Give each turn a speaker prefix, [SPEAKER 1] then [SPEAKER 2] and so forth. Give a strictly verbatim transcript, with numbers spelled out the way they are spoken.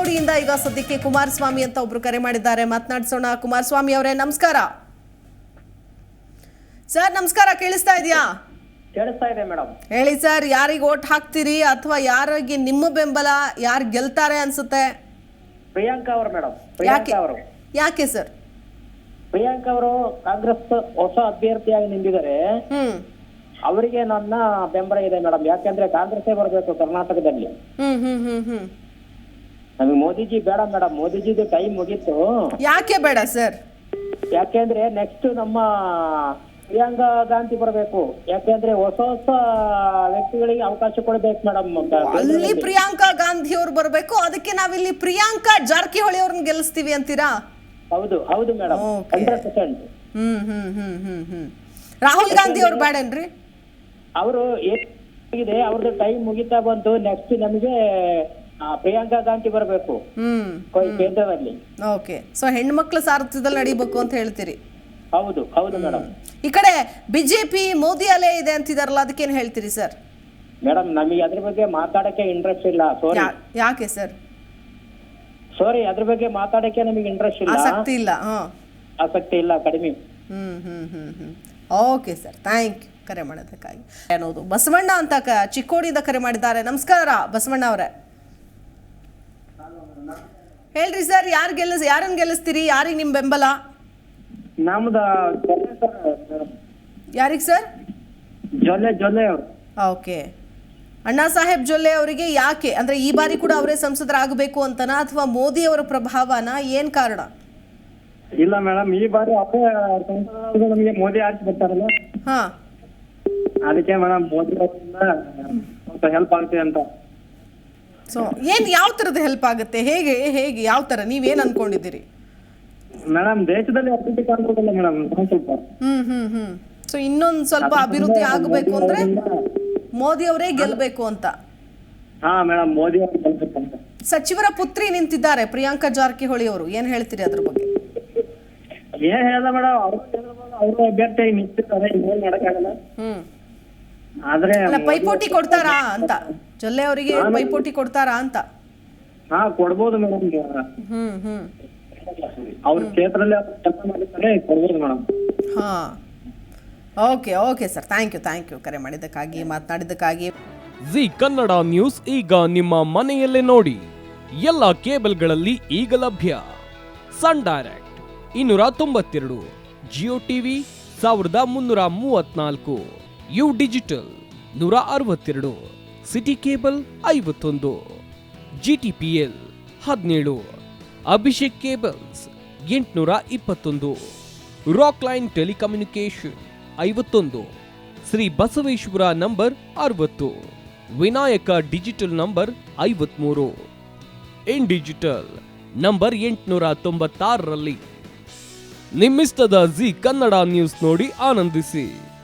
[SPEAKER 1] ಚಿಕ್ಕೋಡಿಯಿಂದ ಈಗ ಸದ್ಯಕ್ಕೆ ಕುಮಾರಸ್ವಾಮಿ ಅಂತ ಒಬ್ರು ಕರೆ ಮಾಡಿದ್ದಾರೆ, ಮಾತನಾಡಿಸೋಣ. ಕುಮಾರಸ್ವಾಮಿ ಅವರೇ ನಮಸ್ಕಾರ. ಸರ್ ನಮಸ್ಕಾರ, ಕೇಳಿಸ್ತಾ ಇದೆಯಾ?
[SPEAKER 2] ಕೇಳಿಸ್ತಾ ಇದೆ ಮೇಡಮ್.
[SPEAKER 1] ಹೇಳಿ ಸರ್, ಯಾರಿಗೆ ಓಟ್ ಹಾಕ್ತೀರಿ ಅಥವಾ ಯಾರಿಗೆ ನಿಮ್ಮ ಬೆಂಬಲ, ಯಾರು ಗೆಲ್ತಾರೆ ಅನ್ಸುತ್ತೆ?
[SPEAKER 2] ಪ್ರಿಯಾಂಕಾ ಅವರು ಮೇಡಮ್. ಪ್ರಿಯಾಂಕಾ ಅವರು.
[SPEAKER 1] ಯಾಕೆ ಸರ್?
[SPEAKER 2] ಪ್ರಿಯಾಂಕಾ ಅವರು ಕಾಂಗ್ರೆಸ್ ಹೊಸ ಅಭ್ಯರ್ಥಿಯಾಗಿ ನಿಂತಿದ್ದಾರೆ.
[SPEAKER 1] ಹ್ಮ್
[SPEAKER 2] ಅವರಿಗೆ ನನ್ನ ಬೆಂಬಲ ಇದೆ ಮೇಡಮ್. ಯಾಕೆಂದ್ರೆ ಕಾಂಗ್ರೆಸ್ಸೇ ಬರಬೇಕು ಕರ್ನಾಟಕದಲ್ಲಿ.
[SPEAKER 1] ಹ್ಮ್ ಹ್ಮ್ ಹ್ಮ್ ಹ್ಮ್
[SPEAKER 2] ನಮಗೆ ಮೋದಿಜಿ ಬೇಡ ಮೇಡಮ್. ಮೋದಿಜಿದು ಟೈಮ್ ಮುಗೀತು.
[SPEAKER 1] ಯಾಕೆ ಬೇಡ ಸರ್?
[SPEAKER 2] ಯಾಕೆಂದ್ರೆ ನೆಕ್ಸ್ಟ್ ನಮ್ಮ ಪ್ರಿಯಾಂಕಾ ಗಾಂಧಿ ಬರಬೇಕು. ಯಾಕೆಂದ್ರೆ ಹೊಸ ಹೊಸ ವ್ಯಕ್ತಿಗಳಿಗೆ ಅವಕಾಶ ಕೊಡಬೇಕು ಮೇಡಮ್.
[SPEAKER 1] ಅಲ್ಲಿ ಪ್ರಿಯಾಂಕಾ ಗಾಂಧಿ ಅವ್ರು ಬರಬೇಕು, ಅದಕ್ಕೆ ನಾವಿಲ್ಲಿ ಪ್ರಿಯಾಂಕಾ ಜಾರಕಿಹೊಳಿ ಅವ್ರನ್ನ ಗೆಲ್ಲಿಸ್ತೀವಿ ಅಂತೀರಾ?
[SPEAKER 2] ಹೌದು ಹೌದು ಮೇಡಮ್, ಹಂಡ್ರೆಡ್ ಪರ್ಸೆಂಟ್.
[SPEAKER 1] ಹ್ಮ್ ಹ್ಮ್ ಹ್ಮ್ ಹ್ಮ್ ಹ್ಮ್ ರಾಹುಲ್ ಗಾಂಧಿ ಅವ್ರು ಬೇಡನ್ರಿ?
[SPEAKER 2] ಅವರು ಏನಿದೆ, ಅವ್ರದ್ದು ಟೈಮ್ ಮುಗಿತಾ ಬಂತು. ನೆಕ್ಸ್ಟ್ ನಮಗೆ ಪ್ರಿಯಾಂಕಾ ಗಾಂಧಿ ಬರಬೇಕು
[SPEAKER 1] ಹ್ಮ್
[SPEAKER 2] ಕೇಂದ್ರದಲ್ಲಿ.
[SPEAKER 1] ಓಕೆ, ಸೊ ಹೆಣ್ಮಕ್ಳ ಸಾರಥ್ಯದಲ್ಲಿ ನಡಿಬೇಕು ಅಂತ ಹೇಳ್ತೀರಿ?
[SPEAKER 2] ಹೌದು ಹೌದು ಮೇಡಮ್.
[SPEAKER 1] ಈ ಕಡೆ ಬಿಜೆಪಿ ಮೋದಿ ಅಲೆ ಇದೆ ಅಂತಿದಾರಲ್ಲ, ಅದಕ್ಕೇನ್ ಹೇಳ್ತೀರಿ ಸರ್?
[SPEAKER 2] ಮೇಡಮ್ ನಮಗೆ ಅದ್ರ ಬಗ್ಗೆ ಮಾತಾಡಕ್ಕೆ ಇಂಟ್ರೆಸ್ಟ್ ಇಲ್ಲ. ಸಾರಿ.
[SPEAKER 1] ಯಾಕೆ ಸರ್?
[SPEAKER 2] ಸಾರಿ, ಅದ್ರ ಬಗ್ಗೆ ಮಾತಾಡಕ್ಕೆ ನಮಗೆ ಇಂಟ್ರೆಸ್ಟ್ ಇಲ್ಲ,
[SPEAKER 1] ಆಸಕ್ತಿ ಇಲ್ಲ. ಹಾ,
[SPEAKER 2] ಆಸಕ್ತಿ ಇಲ್ಲ, ಕಡಿಮೆ.
[SPEAKER 1] ಹ್ಮ್ ಹ್ಮ್ ಹ್ಮ್ ಹ್ಮ್ ಓಕೆ ಸರ್, ಥ್ಯಾಂಕ್ ಯು ಕರೆ ಮಾಡೋದಕ್ಕಾಗಿ. ಅನ್ನೋದು ಬಸವಣ್ಣ ಅಂತ ಕ ಚಿಕ್ಕೋಡಿಯಿಂದ ಕರೆ ಮಾಡಿದ್ದಾರೆ. ನಮಸ್ಕಾರ ಬಸವಣ್ಣ ಅವರೇ, ಹೇಳ್ರಿ ಸರ್, ಯಾರು ಗೆಲ್ಲಿಸ್ ಯಾರನ್ನ ಗೆಲ್ಲಿಸ್ತೀರಿ? ಯಾರಿಗೆ ನಿಮ್ ಬೆಂಬಲ?
[SPEAKER 2] ನಮ್ದು
[SPEAKER 1] ಯಾರಿಗೆ ಸರ್?
[SPEAKER 2] ಜೊಲ್ಲೆ ಜೊಲ್ಲೆ ಅವರು.
[SPEAKER 1] ಓಕೆ, ಅಣ್ಣಾ ಸಾಹೇಬ್ ಜೊಲ್ಲೆ ಅವರಿಗೆ ಯಾಕೆ ಅಂದ್ರೆ ಈ ಬಾರಿ ಕೂಡ ಅವರೇ ಸಂಸದರಾಗಬೇಕು ಅಂತನಾ ಅಥವಾ ಮೋದಿ ಅವರ ಪ್ರಭಾವನ, ಏನ್ ಕಾರಣ?
[SPEAKER 2] ಇಲ್ಲ ಮೇಡಮ್, ಈ ಬಾರಿ ಅವರೇ ನಮಗೆ ಮೋದಿ ಆರಿಸಿ ಬರ್ತಾರಲ್ಲ,
[SPEAKER 1] ಹಾ
[SPEAKER 2] ಅದಕ್ಕೆ ಮೇಡಮ್ ಮೋದಿ ಅವರಿಂದ ಸ್ವಲ್ಪ ಹೆಲ್ಪ್ ಆಗುತ್ತೆ ಅಂತ.
[SPEAKER 1] ಸೊ ಏನ್ ಯಾವ ತರದ ಹೆಲ್ಪ್ ಆಗುತ್ತೆ? ಹೇಗೆ ಹೇಗೆ ಯಾವ ತರ ನೀವೇನ್ ಅನ್ಕೊಂಡಿದ್ದೀರಿ?
[SPEAKER 2] ಮೇಡಮ್ ದೇಶದಲ್ಲಿ ಅಭಿವೃದ್ಧಿ ಕಾಣ್ಬೋದಲ್ಲ ಮೇಡಮ್ ಸ್ವಲ್ಪ.
[SPEAKER 1] ಹ್ಮ್ ಹ್ಮ್ ಹ್ಮ್ ಸೊ ಇನ್ನೊಂದ್ ಸ್ವಲ್ಪ ಅಭಿವೃದ್ಧಿ ಆಗಬೇಕು ಅಂದ್ರೆ ಮೋದಿ ಅವರೇ ಗೆಲ್ಬೇಕು ಅಂತ.
[SPEAKER 2] ಹಾ ಮೇಡಮ್, ಮೋದಿ ಅವರು ಗೆಲ್ಬೇಕಂತ.
[SPEAKER 1] ಸಚಿವರ ಪುತ್ರಿ ನಿಂತಿದ್ದಾರೆ ಪ್ರಿಯಾಂಕಾ ಜಾರಕಿಹೊಳಿ ಅವರು, ಏನ್ ಹೇಳ್ತೀರಿ ಅದ್ರ ಬಗ್ಗೆ?
[SPEAKER 2] ಏನ್ ಹೇಳ್ದ ಮೇಡಮ್, ಅವರು ಅವರು ಅಭ್ಯರ್ಥಿಯಾಗಿ ನಿಂತಿರ್ತಾರೆ, ಏನ್ ಮಾಡಕ್ಕಾಗಲ್ಲ.
[SPEAKER 1] ಹ್ಮ್
[SPEAKER 2] ಆದ್ರೆ
[SPEAKER 1] ಅಲ್ಲ, ಪೈಪೋಟಿ ಕೊಡ್ತಾರಾ ಅಂತ, ಜೊಲ್ಲೆ ಅವರಿಗೆ ಪೈಪೋಟಿ ಕೊಡ್ತಾರಾ ಅಂತ?
[SPEAKER 2] ಹಾ ಕೊಡ್ಬೋದು ಮೇಡಮ್.
[SPEAKER 1] ಹ್ಮ್ ಹ್ಮ್
[SPEAKER 2] ಅವ್ರ ಕ್ಷೇತ್ರದಲ್ಲಿ ಅವ್ರು ಕೆಲಸ ಮಾಡಿರ್ತಾರೆ, ಕೊಡ್ಬೋದು ಮೇಡಮ್.
[SPEAKER 1] ಹಾ okay okay sir, thank you thank you ಕರೆ ಮಾಡಿದ್ದಕ್ಕಾಗಿ, ಮಾತನಾಡಿದ್ದಕ್ಕಾಗಿ.
[SPEAKER 3] ಜಿ ಕನ್ನಡ ನ್ಯೂಸ್ ಈಗ ನಿಮ್ಮ ಮನೆಯಲ್ಲೇ ನೋಡಿ. ಎಲ್ಲ ಕೇಬಲ್ಗಳಲ್ಲಿ ಈಗ ಲಭ್ಯ. ಸನ್ ಡೈರೆಕ್ಟ್ ಇನ್ನೂರ ತೊಂಬತ್ತೆರಡು, ಜಿಯೋ ಟಿವಿ ಸಾವಿರದ ಮುನ್ನೂರ ಮೂವತ್ನಾಲ್ಕು, ಯು ಡಿಜಿಟಲ್ ನೂರ ಅರವತ್ತೆರಡು, ಸಿಟಿ ಕೇಬಲ್ ಐವತ್ತೊಂದು, ಜಿ ಟಿ ಪಿ ಎಲ್ ಹದಿನೇಳು, ಅಭಿಷೇಕ್ ಕೇಬಲ್ಸ್ ಎಂಟುನೂರ ಇಪ್ಪತ್ತೊಂದು, ರಾಕ್ ಲೈನ್ ಟೆಲಿಕಮ್ಯುನಿಕೇಶನ್ ಐವತ್ತೊಂದು, ಶ್ರೀ ಬಸವೇಶ್ವರ ನಂಬರ್ ಅರವತ್ತು, ವಿನಾಯಕ ಡಿಜಿಟಲ್ ನಂಬರ್ ಐವತ್ಮೂರು, ಇನ್ ಡಿಜಿಟಲ್ ನಂಬರ್ ಎಂಟುನೂರ ತೊಂಬತ್ತಾರರಲ್ಲಿ. ನಿಮ್ಮಿಸ್ತದ ಜಿ ಕನ್ನಡ ನ್ಯೂಸ್ ನೋಡಿ ಆನಂದಿಸಿ.